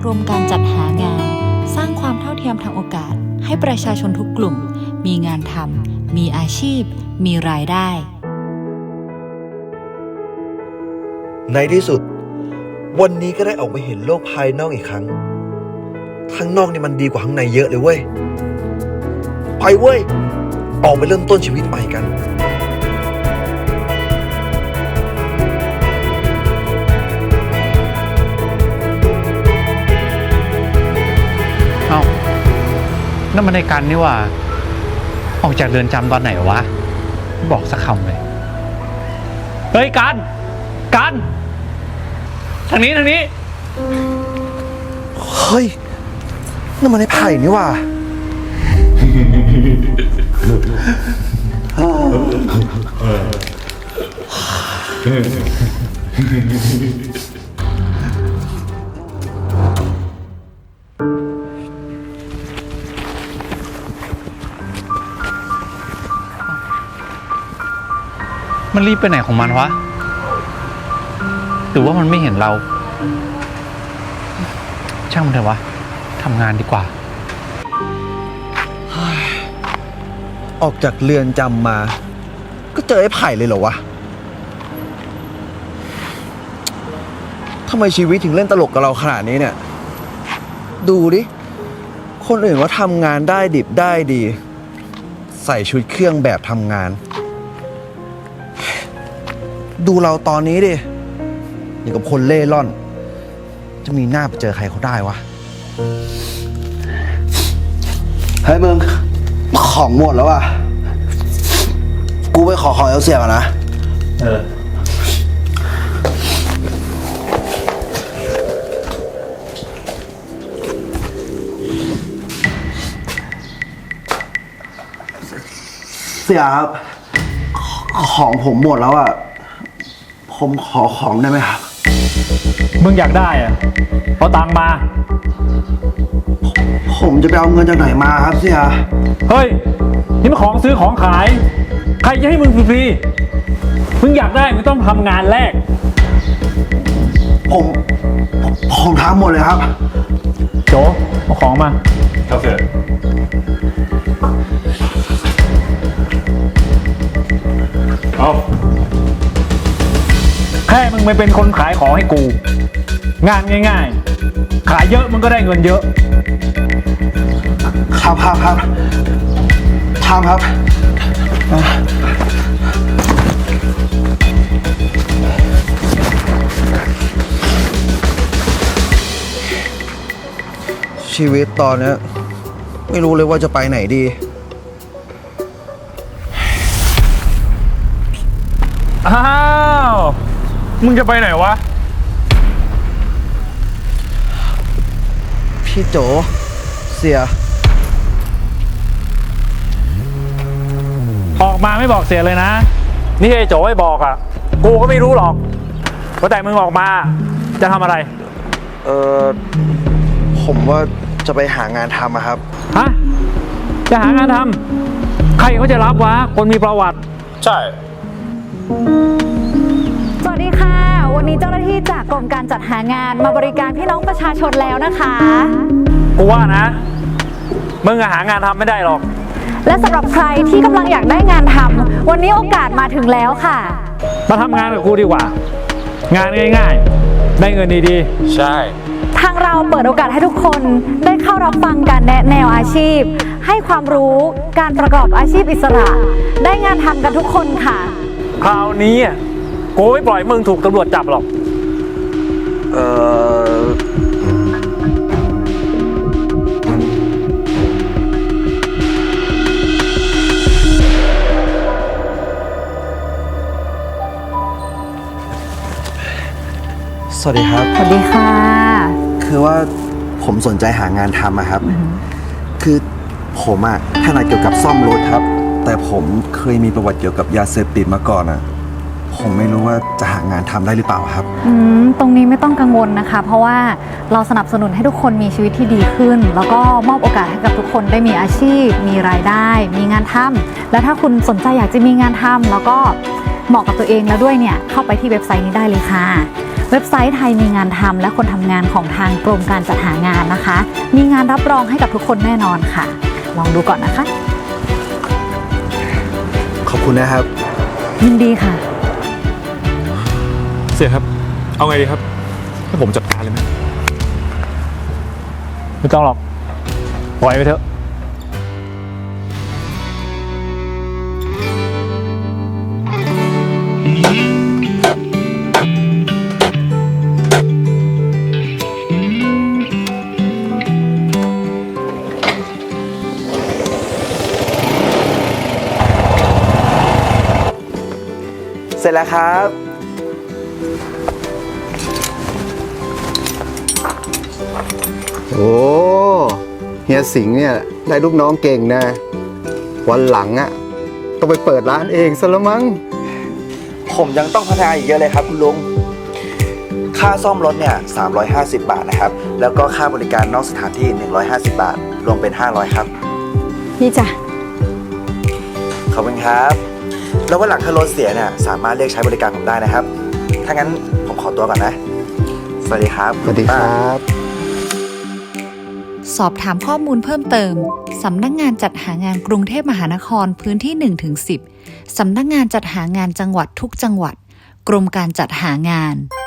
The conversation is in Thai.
รมการจัดหางานสร้างความเท่าเทียมทางโอกาสให้ประชาชนทุกกลุ่มมีงานทำมีอาชีพมีรายได้ในที่สุดวันนี้ก็ได้ออกไปเห็นโลกภายนอกอีกครั้งข้างนอกนี่มันดีกว่าข้างในเยอะเลยเว้ยไปเว้ยออกไปเริ่มต้นชีวิตใหม่กันเอ้านั่นมันในกันนี่ว่าออกจากเรือนจำตอนไหนวะไม่บอกสักคำเลยเฮ้ยกันทางนี้เฮ้ยนั่นมันไอ้ไผ่นี่ว่ามันรีบไปไหนของมันวะหรือว่ามันไม่เห็นเราช่างมันเถอะวะทำงานดีกว่าออกจากเรือนจำมาก็เจอไอ้ไผ่เลยเหรอวะทำไมชีวิตถึงเล่นตลกกับเราขนาดนี้เนี่ยดูดิคนอื่นว่าทำงานได้ดิบได้ดีใส่ชุดเครื่องแบบทำงานดูเราตอนนี้ดิอย่างกับคนเล่ร่อนจะมีหน้าไปเจอใครเขาได้วะเฮ้ยมึงของหมดแล้วอ่ะกูไปขอของเอลเซียก่อนนะเสียครับของผมหมดแล้วอ่ะผมขอของได้ไหมครับมึงอยากได้อะเอาตังค์มาผมจะไปเอาเงินจากไหนมาครับเสียเฮ้ยนี่มันของซื้อของขายใครจะให้มึงฟรีๆมึงอยากได้มึงต้องทำงานแรกผมทำหมดเลยครับโจเอาของมาครับเสร็จเอาแค่มึงไม่เป็นคนขายของให้กูงานง่ายๆขายเยอะมึงก็ได้เงินเยอะครับชีวิตตอนนี้ไม่รู้เลยว่าจะไปไหนดีอ้าวมึงจะไปไหนวะพี่โจเสียออกมาไม่บอกเสียเลยนะนี่ไอ้โจให้บอกอ่ะกูก็ไม่รู้หรอกว่าแต่มึงออกมาจะทำอะไรผมว่าจะไปหางานทำครับฮะจะหางานทำใครเขาจะรับวะคนมีประวัติใช่สวัสดีค่ะวันนี้เจ้าหน้าที่จากกรมการจัดหางานมาบริการพี่น้องประชาชนแล้วนะคะกูว่านะมึงหางานทำไม่ได้หรอกและสำหรับใครที่กำลังอยากได้งานทำวันนี้โอกาสมาถึงแล้วค่ะมาทำงานกับกูดีกว่างานง่ายๆได้เงินดีๆใช่ทางเราเปิดโอกาสให้ทุกคนได้เข้ารับฟังการแนะแนวอาชีพให้ความรู้การประกอบอาชีพอิสระได้งานทำกันทุกคนค่ะคราวนี้กูไม่ปล่อยมึงถูกตำรวจจับหรอกสวัสดีครับสวัสดีค่ะคือว่าผมสนใจหางานทำอะครับคือผมถนัดเกี่ยวกับซ่อมรถครับแต่ผมเคยมีประวัติเกี่ยวกับยาเสพติดมาก่อนผมไม่รู้ว่าจะหางานทำได้หรือเปล่าครับตรงนี้ไม่ต้องกังวลนะคะเพราะว่าเราสนับสนุนให้ทุกคนมีชีวิตที่ดีขึ้นแล้วก็มอบโอกาสให้กับทุกคนได้มีอาชีพมีรายได้มีงานทำและถ้าคุณสนใจอยากจะมีงานทำแล้วก็เหมาะกับตัวเองแล้วด้วยเนี่ยเข้าไปที่เว็บไซต์นี้ได้เลยค่ะเว็บไซต์ไทยมีงานทำและคนทำงานของทางกรมการจัดหางานนะคะ มีงานรับรองให้กับทุกคนแน่นอนค่ะ ลองดูก่อนนะคะขอบคุณนะครับยินดีค่ะเสียครับ เอาไงดีครับ ให้ผมจัดการเลยไหมไม่ต้องหรอก ปล่อยไปเถอะเสร็จแล้วครับโอ้เฮียสิงห์เนี่ยได้ลูกน้องเก่งนะ วันหลังอะต้องไปเปิดร้านเองซะแล้วมั้งผมยังต้องพัฒนาอีกเยอะเลยครับคุณลุง ค่าซ่อมรถเนี่ย350 บาทนะครับ แล้วก็ค่าบริการนอกสถานที่150 บาท รวมเป็น500ครับนี่จ้ะขอบคุณครับ แล้ววันหลังถ้ารถเสียเนี่ยสามารถเรียกใช้บริการผมได้นะครับ ถ้างั้นผมขอตัวก่อนนะ สวัสดีครับสวัสดีครับสอบถามข้อมูลเพิ่มเติม สำนักงานจัดหางานกรุงเทพมหานครพื้นที่ 1-10 สำนักงานจัดหางานจังหวัดทุกจังหวัด กรมการจัดหางาน